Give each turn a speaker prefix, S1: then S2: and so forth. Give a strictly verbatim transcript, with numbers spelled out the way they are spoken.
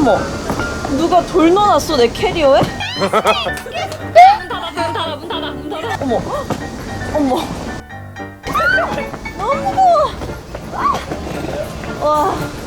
S1: 어머, 누가 돌 넣어놨어 내 캐리어에?
S2: 문 닫아 문 닫아 문 닫아 문 닫아.
S1: 어머, 어머, 너무 무거워. 와.